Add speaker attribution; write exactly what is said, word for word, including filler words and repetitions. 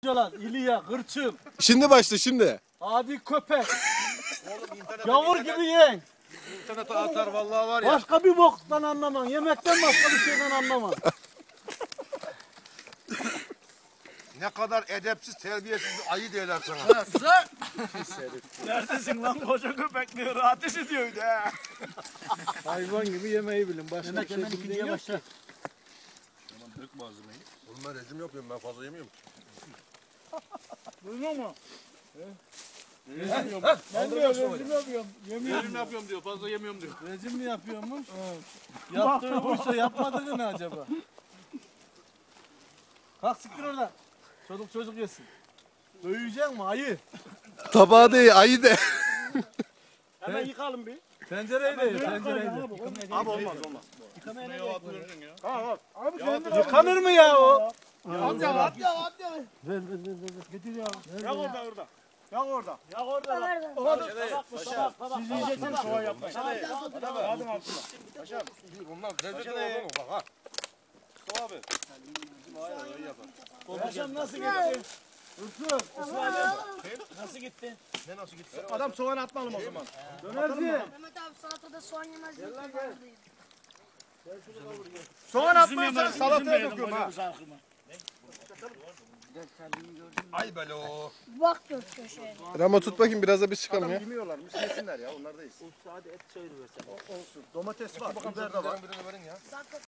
Speaker 1: Yalan, İlya, Hırçın,
Speaker 2: Şimdi başla şimdi.
Speaker 1: adi köpek, yavur gibi yiyen.
Speaker 3: İnternete atar vallahi var ya.
Speaker 1: Başka bir boktan anlamam, yemekten başka bir şeyden anlamam.
Speaker 3: Ne kadar edepsiz, terbiyesiz bir ayı derler sana.
Speaker 4: Neredesin lan koca köpek diyor, ateş ediyor ha.
Speaker 1: Hayvan gibi yemeği bilin, başka
Speaker 4: Yemek
Speaker 1: bir şey
Speaker 4: hemen
Speaker 1: bildiğin
Speaker 4: ikinciye
Speaker 1: yok
Speaker 4: başla.
Speaker 1: ki.
Speaker 3: Oğlum ben rejim yapıyorum, ben fazla yemiyorum.
Speaker 4: Duymuyor musun?
Speaker 1: Ben diyor, rejim yapıyorum, yemiyorum.
Speaker 3: Rejim yapıyorum diyor, fazla yemiyorum diyor.
Speaker 1: Rejim mi yapıyormuş? Yaptığı buysa yapmadığı ne acaba? Kalk siktir oradan. Çocuk çocuk yesin. Dövecek mi ayı?
Speaker 2: Tabağı değil, ayı de.
Speaker 4: Hemen yıkalım bir.
Speaker 1: Tencereyi de ye, tencereyi de.
Speaker 4: Abi olmaz olmaz.
Speaker 1: Yıkanır mı ya o?
Speaker 4: At ya at ya at ya. Ver ver ver ver. Getir ya. Yak orada orada. Yak orada. Yak orada. Orada. Tabak tabak. Siz yiyeceksiniz soğan yapmayın. Hadi altına.
Speaker 3: Paşam, bunlar lezzet olur mu bak ha. Mustafa abi.
Speaker 4: Paşam nasıl gitti? Nasıl gitti?
Speaker 3: Ne nasıl gitti?
Speaker 4: Adam soğan atmalım o zaman.
Speaker 1: Dönerci.
Speaker 5: Mehmet abi salatada soğan yemez.
Speaker 4: Soğan atmazsan salataya döküyorum ha.
Speaker 3: Ay belo.
Speaker 5: Bak dört köşeye.
Speaker 2: Ramo tut bakayım, biraz da biz çıkalım ya.
Speaker 3: Yemiyorlarmış, yesinler ya, onlardayız.
Speaker 4: Hadi et çayırı versen.
Speaker 3: Olsun. Domates var, biber de var. Birini verin ya.